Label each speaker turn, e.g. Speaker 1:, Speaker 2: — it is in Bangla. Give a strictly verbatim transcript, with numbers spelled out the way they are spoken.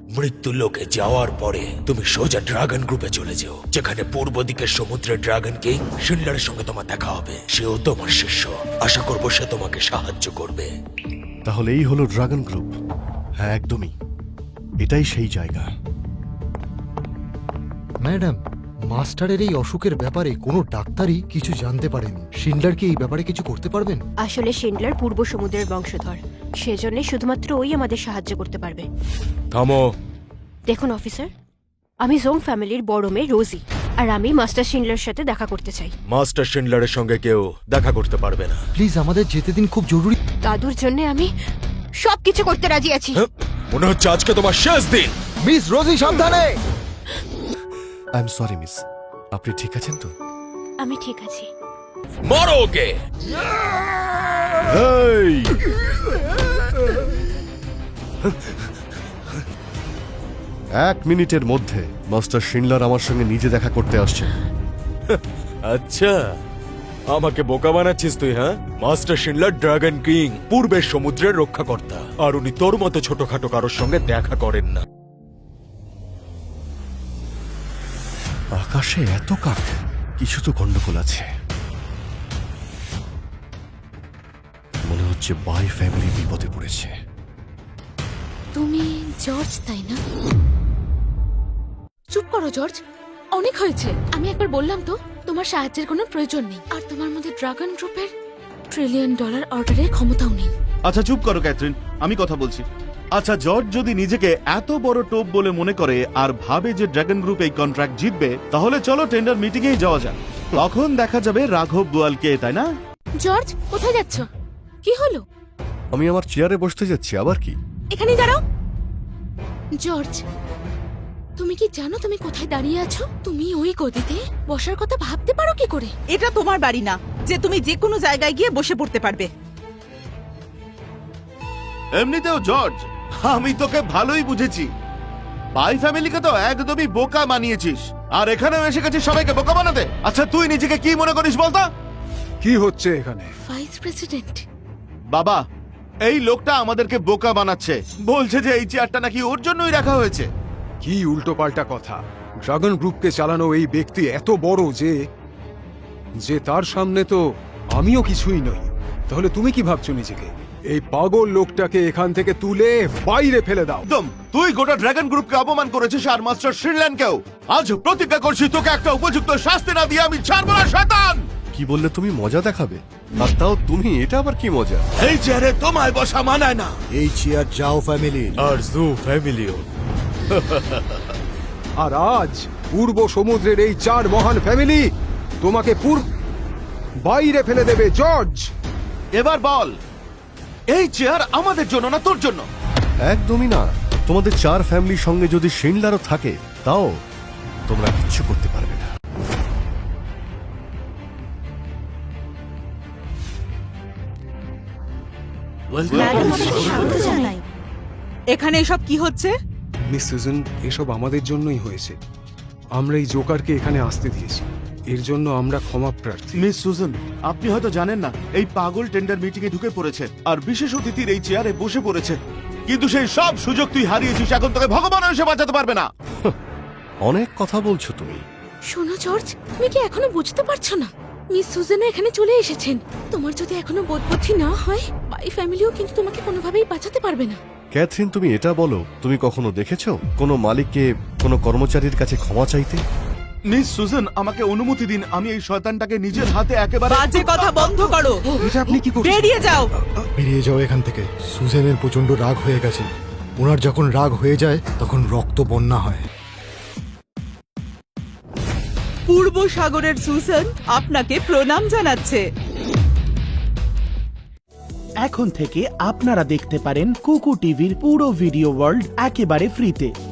Speaker 1: মৃত্যু লোকে যাওয়ার পরে তুমি সোজা ড্রাগন গ্রুপে চলে যাও, যেখানে পূর্ব দিকের সমুদ্রের ড্রাগন কিং শিন্ডারের সঙ্গে তোমার দেখা হবে। সেও তোমার শিষ্য। আশা করবো সে তোমাকে সাহায্য করবে।
Speaker 2: তাহলে এই হলো ড্রাগন গ্রুপ। হ্যাঁ, একদমই, এটাই সেই জায়গা।
Speaker 3: ম্যাডাম, মাস্টারের এই অসুখের ব্যাপারে কোনো ডাক্তারই কিছু জানতে পারেনি। শিন্ডলার কি এই ব্যাপারে কিছু করতে পারবেন?
Speaker 4: আসলে শিন্ডলার পূর্ব সমুদ্রের বংশধর, সেজন্য শুধুমাত্র ওই আমাদের সাহায্য করতে পারবে।
Speaker 1: থামো।
Speaker 4: দেখুন অফিসার, আমি জোং ফ্যামিলির বড় মেয়ে রোজি, আর আমি মাস্টার শিন্ডলার সাথে দেখা করতে চাই।
Speaker 1: মাস্টার শিন্ডলারের সঙ্গে কেউ দেখা করতে পারবে না।
Speaker 3: প্লিজ আমাদের যেতে দিন, খুব জরুরি।
Speaker 4: দাদুর জন্য আমি সবকিছু করতে রাজি আছি।
Speaker 1: হ্যাঁ, মনে হচ্ছে আজকে তোমার শেষ দিন।
Speaker 3: মিস রোজি, সাবধানে।
Speaker 2: আই এম সরি মিস, আপনি ঠিক আছেন তো?
Speaker 4: আমি ঠিক আছি।
Speaker 1: মারো ওকে।
Speaker 2: এই! এক মিনিটের মধ্যে মাস্টার শিনলার আমার সঙ্গে নিজে দেখা করতে আসছে।
Speaker 1: আচ্ছা, আমাকে বোকা বানাচ্ছিস তুই? হ্যাঁ, মাস্টার শিনলার ড্রাগন কিং, পূর্বের সমুদ্রের রক্ষাকর্তা, আর উনি তোর মতো ছোটখাটো কারোর সঙ্গে দেখা করেন না।
Speaker 2: আকাশে এত কাক, কিছু তো গন্ডগোল আছে। মনে হচ্ছে বাই ফ্যামিলি বিপদে পড়েছে।
Speaker 5: তুমি জর্জ, তাই না? চুপ করো জর্জ, অনেক হয়েছে। আমি একবার বললাম তো, তোমার সাহায্যের কোনো প্রয়োজন নেই। আর তোমার মধ্যে ড্রাগন গ্রুপের ট্রিলিয়ন ডলার অর্ডারের ক্ষমতাও নেই।
Speaker 6: আচ্ছা চুপ করো ক্যাথরিন, আমি কথা বলছি। আচ্ছা, জর্জ যদি নিজেকে এত বড় টোপ বলে মনে করে আর ভাবে যে ড্রাগন গ্রুপ এই কন্ট্রাক্ট জিতবে, তাহলে চলো টেন্ডার মিটিং এ যাওয়া যাক। তখন দেখা যাবে রাঘব বোয়ালকে, তাই না?
Speaker 5: জর্জ, কোথায় যাচ্ছ? কি হলো?
Speaker 2: আমি আমার চেয়ারে বসতে যাচ্ছি, আবার কি?
Speaker 5: এখানে দাঁড়াও। জর্জ, তুমি কি জানো তুমি কোথায় দাঁড়িয়ে আছো? তুমি ওই গদিতে বসার কথা ভাবতে পারো কি করে?
Speaker 7: এটা তোমার বাড়ি না যে তুমি যে কোনো জায়গায় গিয়ে বসে পড়তে পারবে।
Speaker 6: এমনিতেও জর্জ, আমি তোকে ভালোই বুঝেছি। বাই ফ্যামিলিকে তো একদমই বোকা বানিয়েছিস, আর এখানেও এসে গেছিস সবাইকে বোকা বানাতে। আচ্ছা তুই নিজেকে কি মনে করিস বলতো?
Speaker 8: কি হচ্ছে এখানে?
Speaker 5: Vice president.
Speaker 6: বাবা, এই লোকটা আমাদেরকে বোকা বানাচ্ছে। বলছে যে এই চেয়ারটা নাকি ওর জন্যই রাখা হয়েছে।
Speaker 8: কি উল্টোপাল্টা কথা! ড্রাগন গ্রুপকে চালানো এই ব্যক্তি এত বড় যে যে তার সামনে তো আমিও কিছুই নই। তাহলে তুমি কি ভাবছো নিজেকে? এই পাগল লোকটাকে এখান থেকে তুলে বাইরে ফেলে দাও।
Speaker 6: একদম, তুই গোটা ড্রাগন গ্রুপকে অপমান করেছিস, আর মাস্টার শ্রীল্যান্ডকেও। আজ প্রতিজ্ঞা করছি তোকে একটা উপযুক্ত শাস্তি না দিয়ে আমি ছাড়বো না, শয়তান!
Speaker 2: কি বললে তুমি? মজা দেখাবে? আর তাও তুমি? এটা আবার কি মজা?
Speaker 6: এই চেয়ারে তোমায় বসা মানায় না।
Speaker 3: এই চেয়ার যাও ফ্যামিলি।
Speaker 1: আর জু ফ্যামিলিও।
Speaker 8: আর আজ পূর্ব সমুদ্রের এই চার মহান ফ্যামিলি তোমাকে পূর্ব বাইরে ফেলে দেবে। জর্জ,
Speaker 6: এবার বল, এই চেয়ার আমাদের জন্য না তোর জন্য?
Speaker 2: একদমই না। তোমাদের চার ফ্যামিলির সঙ্গে যদি শিনলারও থাকে, তাও তোমরা কিচ্ছু করতে পারবে না।
Speaker 7: এখানে এসব কি হচ্ছে?
Speaker 8: মিস সুজন, এসব আমাদের জন্যই হয়েছে। আমরা এই জোকারকে এখানে আসতে দিয়েছি, এর জন্য আমরা ক্ষমা প্রার্থী।
Speaker 6: মিস সুজন, আপনি হয়তো জানেন না, এই পাগল টেন্ডার মিটিং এ ঢুকে পড়েছে আর বিশেষ অতিথির এই চেয়ারে বসে পড়েছে। কিন্তু সেই সব সুযোগ তুই হারিয়েছিস, এখন তোকে ভগবান এসে বাঁচাতে পারবে না।
Speaker 2: অনেক কথা বলছো তুমি।
Speaker 5: শোনো জর্জ, তুমি কি এখনো বুঝতে পারছো না? মিস সুজানা এখানে চলে এসেছেন। তোমার যদি এখনো বোধবুদ্ধি না হয়, বাই ফ্যামিলিও কিন্তু তোমাকে কোনোভাবেই বাঁচাতে পারবে না।
Speaker 2: ক্যাথরিন, তুমি এটা বলো, তুমি কখনো দেখেছো কোনো মালিককে কোনো কর্মচারীর কাছে ক্ষমা চাইতে?
Speaker 6: মিস সুজন, আমাকে অনুমতি দিন, আমি এই শয়তানটাকে নিজের হাতে একেবারে।
Speaker 7: বাজে কথা বন্ধ করো,
Speaker 8: এটা আপনি কি করছেন?
Speaker 7: বেরিয়ে যাও।
Speaker 3: বেরিয়ে যাও এখান থেকে। সুজেনের প্রচন্ড রাগ হয়ে গেছে। ওনার যখন রাগ হয়ে যায় তখন রক্ত বন্যা হয়।
Speaker 7: পূর্ব সাগরের সুসান আপনাকে প্রণাম জানাচ্ছে।
Speaker 9: এখন থেকে আপনারা দেখতে পারেন কুকু টিভির পুরো ভিডিও ওয়ার্ল্ড একেবারে ফ্রিতে।